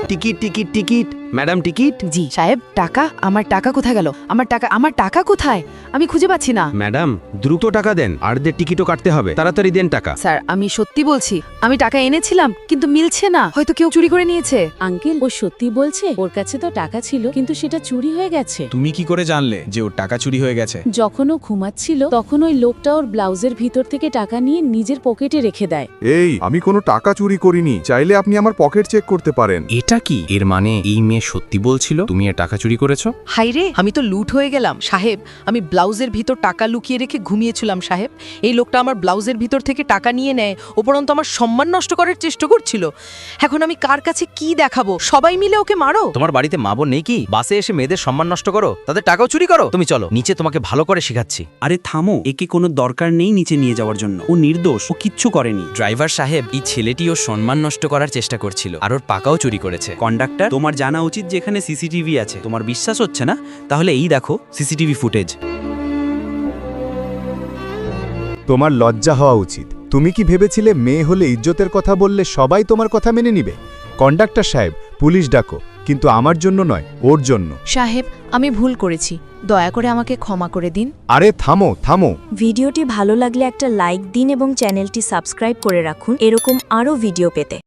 Ticket ticket ticket madam ticket. জি সাহেব, টাকা? আমার টাকা কোথায় গেল? আমার টাকা কোথায়? আমি খুঁজে পাচ্ছি না। ম্যাডাম দ্রুত টাকা দেন, আর টিকিটও কাটতে হবে, তাড়াতাড়ি দেন টাকা। স্যার, আমি সত্যি বলছি, আমি টাকা এনেছিলাম কিন্তু মিলছে না, হয়তো কেউ চুরি করে নিয়েছে। আঙ্কেল, ও সত্যি বলছে, ওর কাছে তো টাকা ছিল কিন্তু সেটা চুরি হয়ে গেছে। তুমি কি করে জানলে যে ওর টাকা চুরি হয়ে গেছে? যখন ও ঘুমাচ্ছিল তখন ওই লোকটা ওর ব্লাউজের ভিতর থেকে টাকা নিয়ে নিজের পকেটে রেখে দেয়। এই, আমি কোনো টাকা চুরি করিনি, চাইলে আপনি আমার পকেট চেক করতে পারেন। এটা কি? এর মানে এই মেয়ে সত্যি বলছিল তুমি এর টাকা চুরি করেছো? হাইরে, আমি তো লুট হয়ে গেলাম সাহেব। আমি ব্লাউজের ভিতর টাকা লুকিয়ে রেখে ঘুমিয়েছিলাম সাহেব। এই লোকটা আমার ব্লাউজের ভিতর থেকে টাকা নিয়ে নেয়, উপরন্তু আমার সম্মান নষ্ট করার চেষ্টা করছিল। এখন আমি কার কাছে কি দেখাবো? সবাই মিলে ওকে মারো। তোমার বাড়িতে মা বোন নেই কি? বাসে এসে মেয়েদের সম্মান নষ্ট করো, তাদের টাকাও চুরি করো। তুমি চলো নিচে, তোমাকে ভালো করে শেখাচ্ছি। আরে থামো, একে কোনো দরকার নেই নিচে নিয়ে যাওয়ার জন্য। ও নির্দোষ, ও কিচ্ছু করেনি। ড্রাইভার সাহেব, এই ছেলেটি ওর সম্মান নষ্ট করার চেষ্টা করছিল আর ওর টাকাও চুরি করেছে। কন্ডাক্টর, তোমার জানা উচিত যে এখানে সিসিটিভি আছে। তোমার বিশ্বাস হচ্ছে না? তাহলে এই দেখো সিসিটিভি ফুটেজ। তোমার লজ্জা হওয়া উচিত। তুমি কি ভেবেছিলে মেয়ে হলে ইজ্জতের কথা বললে সবাই তোমার কথা মেনে নিবে? কন্ডাক্টর সাহেব, পুলিশ ডাকো, কিন্তু আমার জন্য নয়, ওর জন্য। সাহেব, আমি ভুল করেছি, দয়া করে আমাকে ক্ষমা করে দিন। আরে থামো থামো। ভিডিওটি ভালো লাগলে একটা লাইক দিন এবং চ্যানেলটি সাবস্ক্রাইব করে রাখুন এরকম আরও ভিডিও পেতে।